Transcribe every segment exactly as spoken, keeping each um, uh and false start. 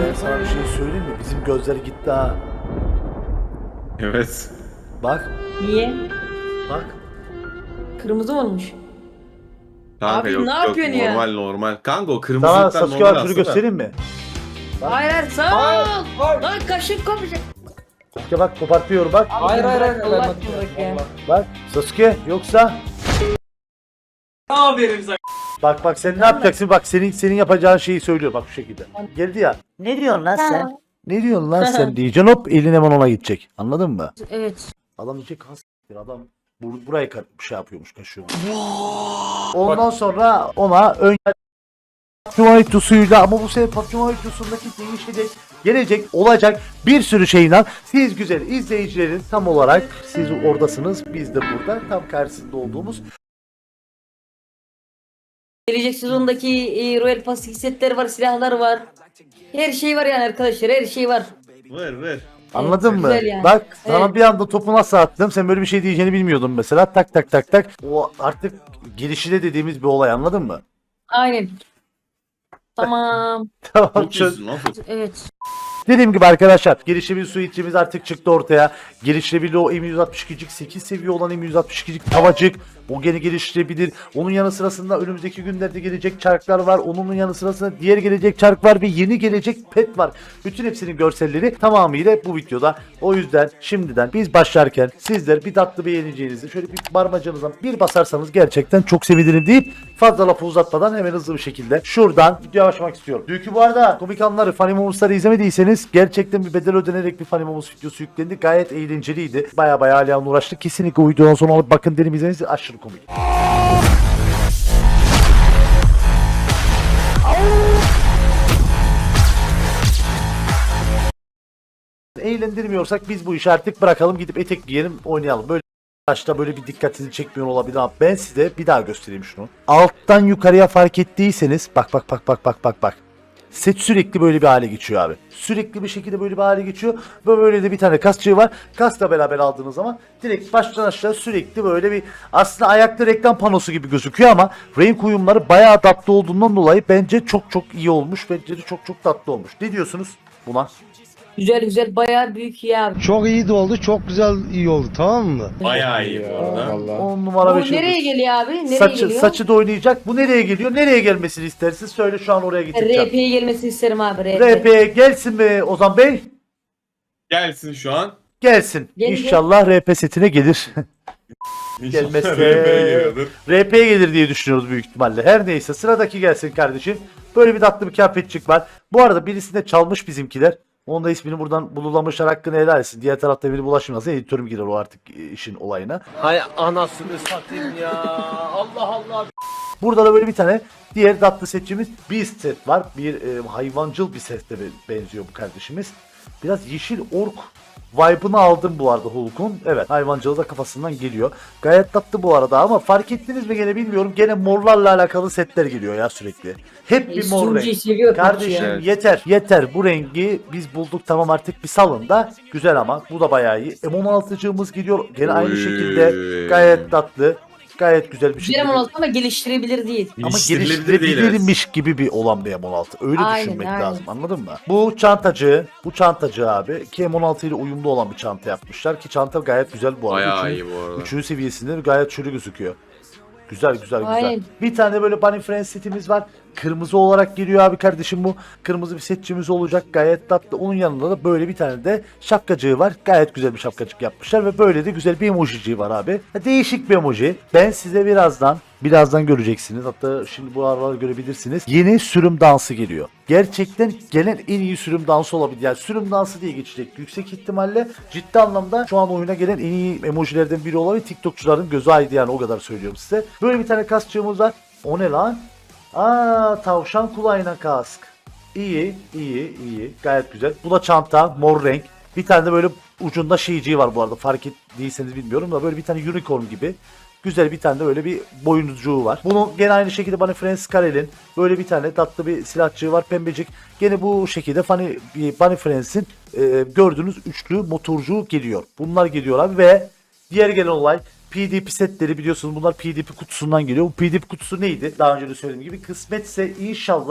Ben sana bir şey söyleyeyim mi? Bizim gözler gitti ha. Evet. Bak, Niye? bak. Kırmızı mı olmuş? Kanka Abi yok ne yok yapıyorsun ya? normal normal. Kanka o Sana kırmızılıklar Sasuke normal var, şunu aslında. göstereyim mi? Bak. Hayır hayır sağ ol. Lan kaşık kopacak. Sasuke bak, kopartıyor bak. Hayır hayır hayır. Allah Allah aşkına ya. Bak Sasuke, yoksa Aferin sana. bak bak sen ne yapacaksın? Bak senin senin yapacağın şeyi söylüyor bak şu şekilde. Geldi ya. Ne diyorsun lan sen? Ne diyorsun lan sen diyeceksin, hop elin hemen ona gidecek. Anladın mı? Evet. Adam diyecek has adam bur burayı ka- bir şey yapıyormuş, kaşıyor. Ondan sonra ona ön Papçumayit suyuyla, ama bu sefer Papçumayit suyundaki değişecek, gelecek, olacak bir sürü şeyle siz güzel izleyicilerin tam olarak siz oradasınız, biz de burada tam karşısında olduğumuz Gelecek sezondaki e, Royal Pass setler var, silahlar var. Her şey var yani arkadaşlar, her şey var. Ver ver. anladın mı? güzel yani. Bak sana Evet. bir anda topu nasıl attım, sen böyle bir şey diyeceğini bilmiyordun mesela, tak tak tak tak, o artık gelişide dediğimiz bir olay, anladın mı? Aynen. Tamam. Tamam, Çok çöz. iyisin lan. Evet. Dediğim gibi arkadaşlar, gelişebil suitimiz artık çıktı ortaya. Gelişebilir o M yüz altmış ikicik sekiz seviye olan M yüz altmış ikicik tavacık. O gene geliştirebilir. Onun yanı sırasında önümüzdeki günlerde gelecek çarklar var. Onun yanı sırasında diğer gelecek çark var ve yeni gelecek pet var. Bütün hepsinin görselleri tamamıyla bu videoda. O yüzden şimdiden biz başlarken sizler bir tatlı beğeneceğinizi şöyle bir parmağınızdan bir basarsanız gerçekten çok sevinirim deyip fazla lafı uzatmadan hemen hızlı bir şekilde şuradan videoya başlamak istiyorum. Dünkü bu arada komik anları, Funny Moments'ları izlemediyseniz gerçekten bir bedel ödenerek bir Funny Moments videosu yüklendi. Gayet eğlenceliydi. Baya baya Alihan'la uğraştık. Kesinlikle o videodan sonra alıp bakın derim, izleniz, aşırı komik. Eğlendirmiyorsak biz bu işi artık bırakalım, gidip etek giyelim, oynayalım. Böyle başta böyle bir dikkatinizi çekmiyor olabilir ama ben size bir daha göstereyim şunu. Alttan yukarıya fark ettiyseniz bak bak bak bak bak bak bak. Set sürekli böyle bir hale geçiyor abi. Sürekli bir şekilde böyle bir hale geçiyor. Ve böyle de bir tane kasçığı var. Kasla beraber aldığınız zaman direkt baştan aşağı sürekli böyle bir, aslında ayakta reklam panosu gibi gözüküyor ama renk uyumları bayağı tatlı olduğundan dolayı bence çok çok iyi olmuş. Bence de çok çok tatlı olmuş. Ne diyorsunuz buna? Güzel güzel, bayağı büyük ya abi. Çok iyi de oldu, çok güzel iyi oldu, tamam mı? Bayağı iyi bu arada. on numara Bu beş nereye yıldız. geliyor abi? Nereye Saçı, geliyor? saçı da oynayacak. Bu nereye geliyor? Nereye gelmesini istersiniz? Söyle, şu an oraya getireceğim. R P'ye gelmesini isterim abi. R P. R P'ye gelsin mi Ozan Bey? Gelsin şu an. Gelsin. Gelecek. İnşallah R P setine gelir. İnşallah Gelmezse- R P'ye geliyordur. R P'ye gelir diye düşünüyoruz büyük ihtimalle. Her neyse, sıradaki gelsin kardeşim. Böyle bir tatlı bir kıyafetçik var. Bu arada birisini de çalmış bizimkiler. Onun da ismini buradan bululamışlar, hakkını helal etsin. Diğer tarafta biri bulaşmasın. Editörüm girer o artık işin olayına. Hay anasını satayım ya. Allah Allah. Burada da böyle bir tane diğer tatlı setçimiz Beast set var. Bir e, hayvancıl bir sete benziyor bu kardeşimiz. Biraz yeşil ork vibe'ını aldım bu arada Hulk'un. Evet, hayvancılığı da kafasından geliyor. Gayet tatlı bu arada ama fark ettiniz mi gene bilmiyorum. Gene morlarla alakalı setler geliyor ya sürekli. Hep bir mor Sunucuyu renk. seviyor Kardeşim Evet. yeter yeter, bu rengi biz bulduk, tamam artık bir salın da. Güzel ama bu da bayağı iyi. M on altıcığımız geliyor gene aynı Oy. şekilde, gayet tatlı. Gayet güzel bir Güzel şekilde. M on altı ama geliştirebilir değil. Ama Geliştirilebilir değil, evet. geliştirebilirmiş gibi bir olan bir M on altı. Öyle Aynen, düşünmek aynen. lazım, anladın mı? Bu çantacı, bu çantacı abi ki M on altı ile uyumlu olan bir çanta yapmışlar ki çanta gayet güzel bu arada. Bayağı Üçüncü- iyi bu arada. Üçüncü seviyesinde gayet şöyle gözüküyor. Güzel güzel güzel. Aynen. Bir tane de böyle Bunny Friends setimiz var. Kırmızı olarak geliyor abi kardeşim bu. Kırmızı bir setçimiz olacak, gayet tatlı. Onun yanında da böyle bir tane de şapkacığı var. Gayet güzel bir şapkacık yapmışlar ve böyle de güzel bir emojiciği var abi. Değişik bir emoji. Ben size birazdan Birazdan göreceksiniz. Hatta şimdi bu aralar görebilirsiniz. Yeni sürüm dansı geliyor. Gerçekten gelen en iyi sürüm dansı olabilir. Yani sürüm dansı diye geçecek. Yüksek ihtimalle ciddi anlamda şu an oyuna gelen en iyi emojilerden biri olabilir. TikTokçuların gözü aydı yani, o kadar söylüyorum size. Böyle bir tane kaskçığımız var. O ne lan? Aa, tavşan kulağına kask. İyi, iyi, iyi. Gayet güzel. Bu da çanta, mor renk. Bir tane de böyle ucunda şeyciği var bu arada. Fark ettiyseniz bilmiyorum da böyle bir tane unicorn gibi. Güzel bir tane de böyle bir boyuncuğu var. Bunun gene aynı şekilde Bunny Friends Karel'in böyle bir tane tatlı bir silahçığı var, pembecik. Gene bu şekilde Funny, Bunny Friends'in e, gördüğünüz üçlü motorcuğu geliyor. Bunlar geliyor abi ve diğer gelen olay P D P setleri, biliyorsunuz bunlar P D P kutusundan geliyor. Bu P D P kutusu neydi? Daha önce de söylediğim gibi kısmetse inşallah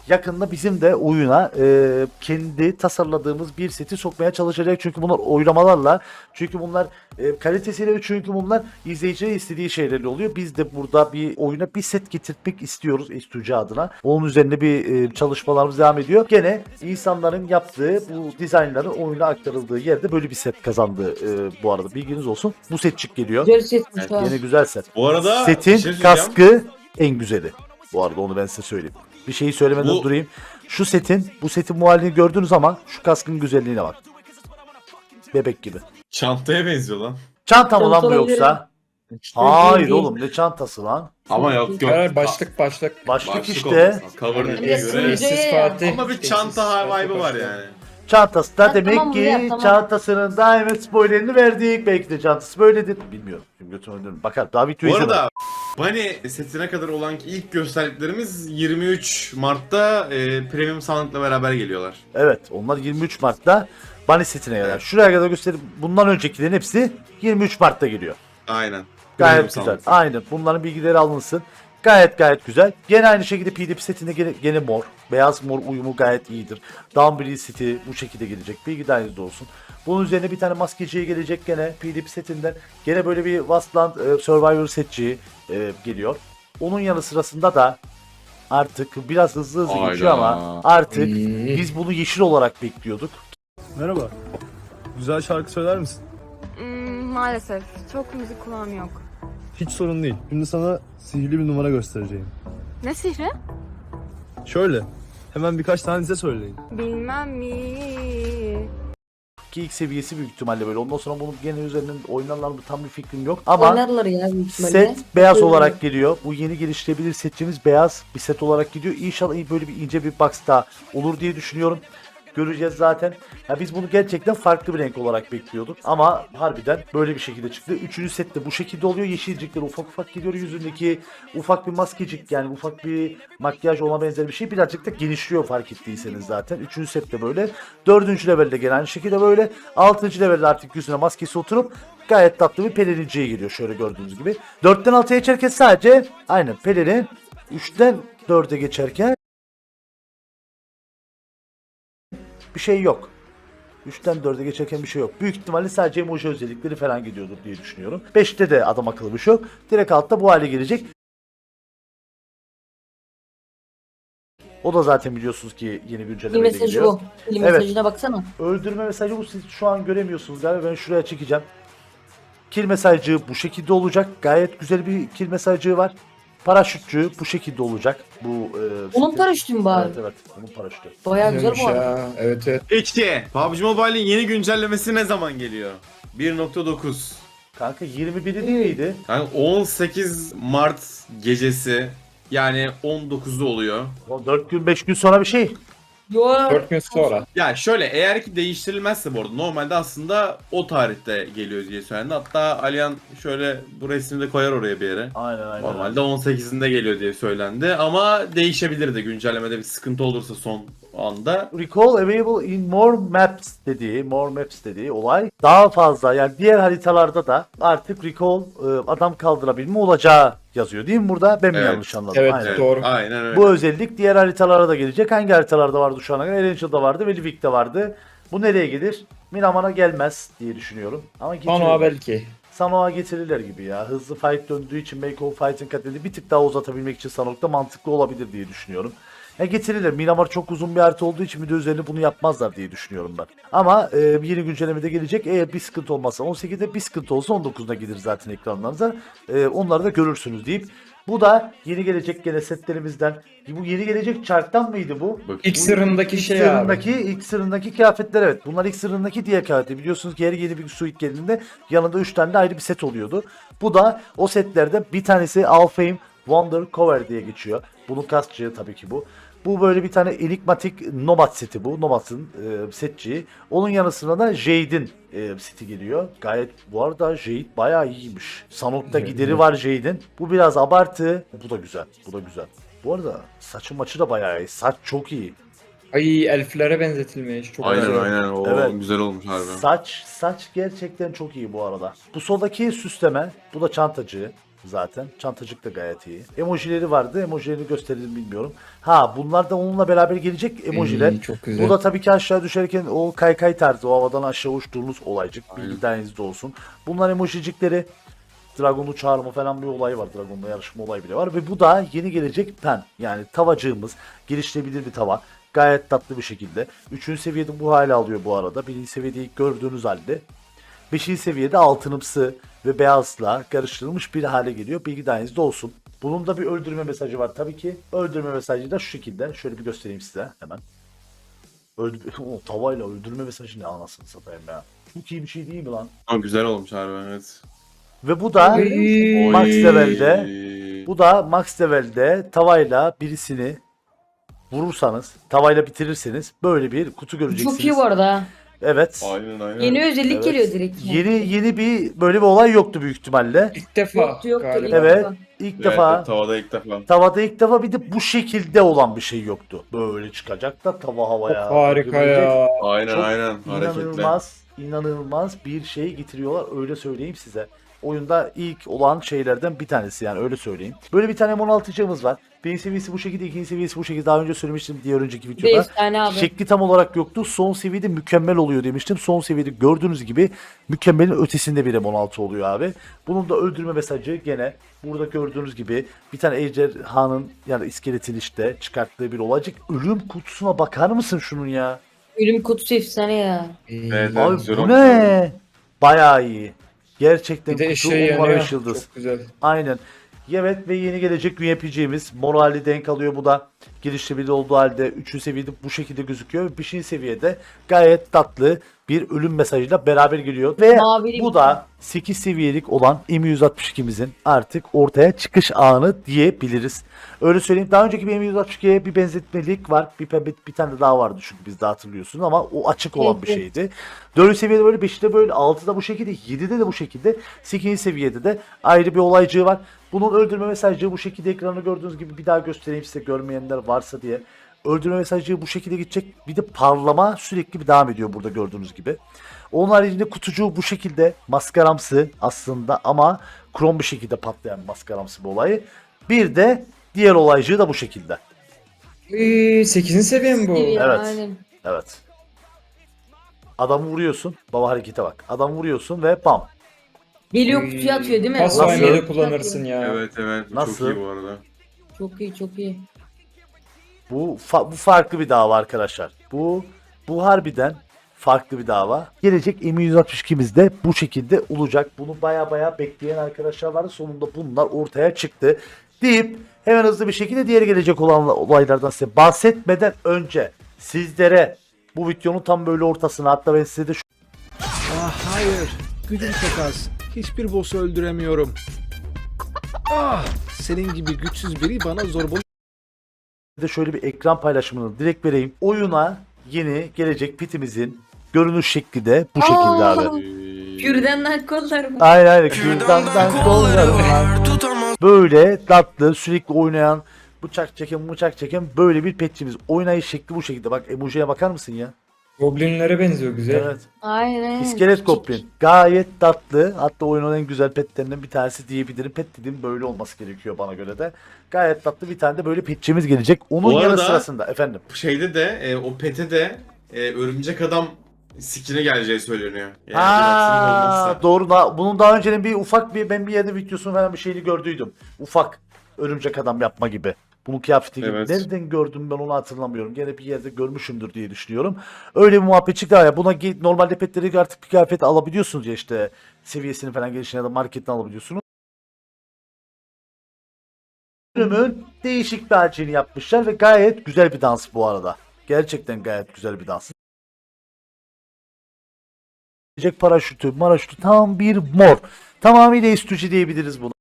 yakında bizim de oyuna e, kendi tasarladığımız bir seti sokmaya çalışacak. Çünkü bunlar oylamalarla, çünkü bunlar e, kalitesiyle, çünkü bunlar izleyiciye istediği şeylerle oluyor. Biz de burada bir oyuna bir set getirtmek istiyoruz S iki C adına. Onun üzerine bir e, çalışmalarımız devam ediyor. Gene insanların yaptığı bu dizaynların oyuna aktarıldığı yerde böyle bir set kazandı e, bu arada. Bilginiz olsun. Bu setçik geliyor. Güzel setmiş ha. Yine güzel set. Bu arada Setin bir şey söyleyeceğim. kaskı en güzeli. Bu arada onu ben size söyleyeyim. Bir şeyi söylemeden Bu- durayım. Şu setin, bu setin muhalini gördüğünüz zaman şu kaskın güzelliğine bak. Bebek gibi. Çantaya benziyor lan. Çanta mı lan bu Çanta yoksa? Hayır değil, değil. oğlum, ne çantası lan? Ama yok yok. Evet, başlık başlık. Başlık, Başlık işte. olmasın. Cover Evet, dediğine göre. sürücü. Eşsiz Fatih. Ama bir Eşsiz çanta Fatih vibe'ı var başlık. yani. Çantası da Ha, demek tamam, ki bu ya, tamam. çantasının daima spoilerini verdik. Belki de çantası böyledir. Bilmiyorum. Şimdi götüme dönüyorum. Bakar. Daha videoyu Bu izlemedim. arada Bunny setine kadar olan ilk gösterdiklerimiz yirmi üç Mart'ta e, premium sandıkla beraber geliyorlar. Evet, onlar yirmi üç Mart'ta Bunny setine kadar. Şuraya kadar gösterip bundan öncekilerin hepsi yirmi üç Mart'ta geliyor. Aynen. Gayet Premium güzel. sandık. Aynen. Bunların bilgileri alınsın. Gayet gayet güzel. Gene aynı şekilde P D P setinde gene, gene mor. Beyaz mor uyumu gayet iyidir. Downbreed seti bu şekilde gelecek. Bilgi dahilinizde olsun. Bunun üzerine bir tane maskeciye gelecek gene P D P setinden. Gene böyle bir Wasteland e, Survivor setçi e, geliyor. Onun yanı sırasında da artık biraz hızlı hızlı Hayda. geçiyor ama artık Hmm. biz bunu yeşil olarak bekliyorduk. Merhaba. Güzel şarkı söyler misin? Hmm, maalesef. Çok müzik kulağım yok. Hiç sorun değil. Şimdi sana sihirli bir numara göstereceğim. Ne sihri? Şöyle. Hemen birkaç tanenize söyleyin. Bilmem mi. Ki ilk seviyesi büyük ihtimalle böyle. Ondan sonra bunun gene üzerinden oynarlar mı tam bir fikrim yok. Ama Oynarlar ya büyük ihtimalle. set beyaz Öyle. olarak geliyor. Bu yeni geliştirebilir setçimiz beyaz bir set olarak gidiyor. İnşallah böyle bir ince bir box daha olur diye düşünüyorum. Göreceğiz zaten. Ya biz bunu gerçekten farklı bir renk olarak bekliyorduk. Ama harbiden böyle bir şekilde çıktı. Üçüncü set de bu şekilde oluyor. Yeşilcikler ufak ufak gidiyor. Yüzündeki ufak bir maskecik, yani ufak bir makyaj ona benzer bir şey. Birazcık da genişliyor fark ettiyseniz zaten. Üçüncü set de böyle. Dördüncü levelde gene aynı şekilde böyle. Altıncı levelde artık yüzüne maskesi oturup gayet tatlı bir pelerinciye geliyor. Şöyle gördüğünüz gibi. Dörtten altıya geçerken sadece aynen pelerin. Üçten dörde geçerken bir şey yok. üçten dörde geçerken bir şey yok. Büyük ihtimalle sadece emoji özellikleri falan gidiyordur diye düşünüyorum. beşte de adam akıllı bir şey yok. Direkt altta bu hale gelecek. O da zaten biliyorsunuz ki yeni Bir güncellemeyle mesajı geliyor. bu. Bir Evet. mesajına baksana. Öldürme mesajı bu, siz şu an göremiyorsunuz galiba, ben şuraya çekeceğim. Kill mesajı bu şekilde olacak. Gayet güzel bir kill mesajı var. Paraşütçü bu şekilde olacak. Bu e, Onun setin- paraşütü mü bari? Evet evet, onun paraşütü. Bayağı güzel Güzelmiş bu arada. ya. Evet evet. İki. P U B G Mobile'in yeni güncellemesi ne zaman geliyor? bir nokta dokuz. Kanka yirmi biri değil miydi? Yani on sekiz Mart gecesi, yani on dokuzda oluyor. O dört gün beş gün sonra bir şey. Yo. dört gün sonra. Ya şöyle, eğer ki değiştirilmezse bu arada normalde aslında o tarihte geliyor diye söylendi. Hatta Alihan şöyle bu resmi de koyar oraya bir yere. Aynen aynen. Normalde on sekizinde geliyor diye söylendi ama değişebilir de güncellemede bir sıkıntı olursa son anda. Recall available in more maps dediği, more maps dediği olay daha fazla, yani diğer haritalarda da artık recall e, adam kaldırabilme olacağı yazıyor değil mi burada? Ben mi Evet. yanlış anladım? Evet, Aynen. evet. Doğru. Aynen öyle. Bu özellik diğer haritalara da gelecek. Hangi haritalarda vardı şu ana kadar? Erangel'da vardı ve Livik'te vardı. Bu nereye gelir? Miramar'a gelmez diye düşünüyorum. Ama Panoa getirirler. belki. Sanoa getirirler gibi ya. Hızlı fight döndüğü için Make of Fight'ın katledi bir tık daha uzatabilmek için Sanok'ta mantıklı olabilir diye düşünüyorum. Ya getirirler. Miramar çok uzun bir harita olduğu için bir de üzerine bunu yapmazlar diye düşünüyorum ben. Ama e, yeni güncellemede gelecek. Eğer bir sıkıntı olmazsa on sekizde, bir sıkıntı olsa on dokuzda gelir zaten ekranlarınıza. E, onları da görürsünüz deyip. Bu da yeni gelecek gene setlerimizden. Bu yeni gelecek çarktan mıydı bu? Bak, İlk sırrındaki İlk şey sırrındaki, abi. ilk sırrındaki kıyafetler, evet. Bunlar ilk sırrındaki diğer kıyafetler. Biliyorsunuz ki her yeni bir suit geldiğinde yanında üç tane de ayrı bir set oluyordu. Bu da o setlerde bir tanesi Alfheim Wonder Cover diye geçiyor. Bunun kasçığı tabii ki bu. Bu böyle bir tane enigmatik Nomad seti bu. Nomad'ın e, setçiği. Onun yanı sıra da Jade'in e, seti geliyor. Gayet bu arada Jade bayağı iyiymiş. Sanok'ta Evet, gideri evet. var Jade'in. Bu biraz abartı. Bu da güzel. Bu da güzel. Bu arada saçı maçı da bayağı iyi. Saç çok iyi. Ay elflere benzetilmiş. Çok Aynen güzel. aynen. O Evet. güzel olmuş harbi. Saç saç gerçekten çok iyi bu arada. Bu soldaki süsleme, bu da çantacı. zaten. Çantacık da gayet iyi. Emojileri vardı. Emojilerini gösterelim bilmiyorum. Ha bunlar da onunla beraber gelecek emojiler. İyi, çok güzel. Bu da tabii ki aşağı düşerken o kaykay tarzı, o havadan aşağı uçtuğunuz olaycık. Bilgilenizde olsun. Bunlar emojicikleri. Dragon'u çağırma falan bir olay var. Dragon'la yarışma olayı bile var. Ve bu da yeni gelecek pen. Yani tavacığımız. Geliştirebilir bir tava. Gayet tatlı bir şekilde. Üçüncü seviyede bu hale alıyor bu arada. Birinci seviyede ilk gördüğünüz halde. Beşinci seviyede altınımsı ve beyazla karıştırılmış bir hale geliyor. Bilgi dahilinizde olsun. Bunun da bir öldürme mesajı var tabii ki. Öldürme mesajı da şu şekilde. Şöyle bir göstereyim size hemen. Öldü o tavayla öldürme mesajı ne anasını satayım ya. Çok iyi bir şey değil mi lan? Ama güzel olmuş harbi evet. Ve bu da Oy. Max Level'de Oy. bu da Max Level'de tavayla birisini vurursanız, tavayla bitirirseniz böyle bir kutu göreceksiniz. Çok iyi bu arada. ha. Evet. Aynen aynen. Yeni özellik Evet. geliyor direkt. yani. Yeni yeni bir böyle bir olay yoktu büyük ihtimalle. İlk defa Yoktu, yoktu, galiba. ilk Evet. defa. İlk Evet, defa tavada ilk defa. tavada ilk defa bir de bu şekilde olan bir şey yoktu. Böyle çıkacak da tava Çok havaya. harika gömülecek. ya. Aynen Çok aynen hareketli. İnanılmaz, inanılmaz bir şey getiriyorlar öyle söyleyeyim size. Oyunda ilk olan şeylerden bir tanesi yani öyle söyleyeyim. Böyle bir tane M on altıcığımız var. Birinci seviyesi bu şekilde, ikinci seviyesi bu şekilde. Daha önce söylemiştim diğer önceki videoda. Beş tane abi. Şekli tam olarak yoktu. Son seviyede mükemmel oluyor demiştim. Son seviyede gördüğünüz gibi mükemmelin ötesinde bir M on altı oluyor abi. Bunun da öldürme mesajı gene burada gördüğünüz gibi bir tane ejderhanın yani iskeletin işte çıkarttığı bir olacak. Ölüm kutusuna bakar mısın şunun ya? Ölüm kutusu efsane ya. İyi. Evet, evet. Abi güzel bu olmuş ne? Bayağı iyi. Gerçekten Bir de kutu ışığı on numara yanıyor. beş yıldız. Çok güzel. Aynen. Evet ve yeni gelecek U M P G'miz morali denk alıyor bu da. Geliştirebilir olduğu halde üçüncü seviyede bu şekilde gözüküyor. ve beşinci seviyede gayet tatlı bir ölüm mesajıyla beraber geliyor. Ve Mavili bu bir- da sekiz seviyelik olan M yüz altmış ikimizin artık ortaya çıkış anı diyebiliriz. Öyle söyleyeyim. Daha önceki bir M yüz altmış ikiye bir benzetmelik var. Bir, bir, bir tane daha vardı çünkü biz de hatırlıyorsunuz ama o açık olan bir Evet. şeydi. dördüncü seviyede böyle, beşte böyle, altıda bu şekilde, yedide de bu şekilde, sekizinci seviyede de ayrı bir olaycığı var. Bunun öldürme mesajcığı bu şekilde ekranda gördüğünüz gibi bir daha göstereyim size görmeyenler varsa diye. Öldürme mesajcığı bu şekilde gidecek. Bir de parlama sürekli bir devam ediyor burada gördüğünüz gibi. Onun haricinde kutucuğu bu şekilde maskaramsı aslında ama krom bir şekilde patlayan maskaramsı bir olayı. Bir de diğer olaycığı da bu şekilde. Ee, sekizinci seviye mi bu? Seviye, Evet. Aynen. Evet. Adamı vuruyorsun. Baba harekete bak. Adamı vuruyorsun ve bam. Geliyor kutuya atıyor değil mi? Pas Nasıl? oynayı kullanırsın ya. Evet evet bu Nasıl? çok iyi bu arada. Çok iyi çok iyi. Bu, fa- bu farklı bir dava arkadaşlar. Bu bu harbiden farklı bir dava. Gelecek M yüz altmış ikimiz de bu şekilde olacak. Bunu baya baya bekleyen arkadaşlar vardı. Sonunda bunlar ortaya çıktı. Deyip hemen hızlı bir şekilde diğer gelecek olan olaylardan size bahsetmeden önce sizlere bu videonun tam böyle ortasına hatta ben size de şu Ah hayır. Gücüm çok az. Hiçbir boss'u öldüremiyorum. Ah, senin gibi güçsüz biri bana zorbalık de şöyle bir ekran paylaşımını direkt vereyim. Oyuna yeni gelecek pitimizin görünüş şekli de bu şekilde Aa! abi. Kürdenden kollar mı? Aynen aynen. Kürdandan kollarım var. Böyle tatlı sürekli oynayan bıçak çeken bıçak çeken böyle bir petçimiz. Oynayış şekli bu şekilde. Bak emojiye bakar mısın ya? Goblinlere benziyor güzel. Evet. Aynen. İskelet Goblin. Gayet tatlı. Hatta oyunun en güzel petlerinden bir tanesi diyebilirim. Pet dediğim böyle olması gerekiyor bana göre de. Gayet tatlı bir tane de böyle petçimiz gelecek. Onun Bu yanı arada- sırasında efendim. Bu şeyde de e, o pete de e, örümcek adam skin'e geleceği söyleniyor. Yani bir aksilik Ha, olmazsa. doğru. Da, bunun daha önceden bir ufak bir ben bir yerde videosunu falan bir şeyini gördüydüm. Ufak örümcek adam yapma gibi. Bunun kıyafeti gibi. Evet. Nereden gördüm ben onu hatırlamıyorum. Gene bir yerde görmüşümdür diye düşünüyorum. Öyle bir muhabbet çıktı ya. Buna ge- normalde petleri artık bir kıyafet alabiliyorsunuz ya işte seviyesini falan gelişine ya da marketten alabiliyorsunuz. Bölümün değişik bir harcını yapmışlar ve gayet güzel bir dans bu arada. Gerçekten gayet güzel bir dans. Gelecek paraşütü, maraşütü tam bir mor. Tamamıyla istücü diyebiliriz bunu.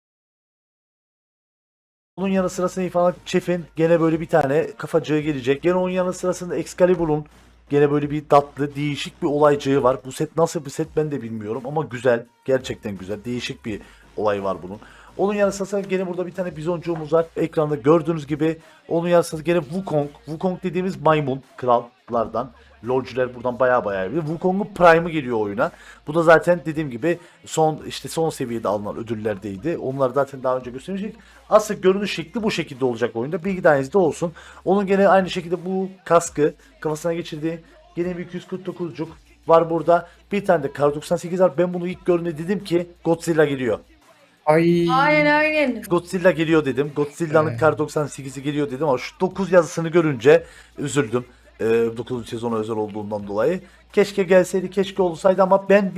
Bunun yanı sırasında falan Chef'in gene böyle bir tane kafacığı gelecek. Gene onun yanı sırasında Excalibur'un gene böyle bir tatlı, değişik bir olaycığı var. Bu set nasıl bir set ben de bilmiyorum ama güzel. Gerçekten güzel. Değişik bir olay var bunun. Onun yanı sırasında gene burada bir tane bizoncuğumuz var. Ekranda gördüğünüz gibi. Onun yanı sırasında gene Wukong. Wukong dediğimiz maymun, kral. Lardan. LoL'cüler buradan baya baya iyi. Wukong'un Prime'ı geliyor oyuna. Bu da zaten dediğim gibi son işte son seviyede alınan ödüllerdeydi. Onları zaten daha önce göstermiştik. Asıl görünüş şekli bu şekilde olacak oyunda. Bilgi dahilinizde olsun. Onun gene aynı şekilde bu kaskı kafasına geçirdiği gene bir iki yüz kırk dokuzcuk var burada. Bir tane de Kar doksan sekiz var. Ben bunu ilk gördüğümde dedim ki Godzilla geliyor. Ay. Aynen aynen. Godzilla geliyor dedim. Godzilla'nın Evet. Kar doksan sekizi geliyor dedim ama şu dokuz yazısını görünce üzüldüm. Ee, dokuzuncu sezona özel olduğundan dolayı. Keşke gelseydi, keşke olsaydı ama ben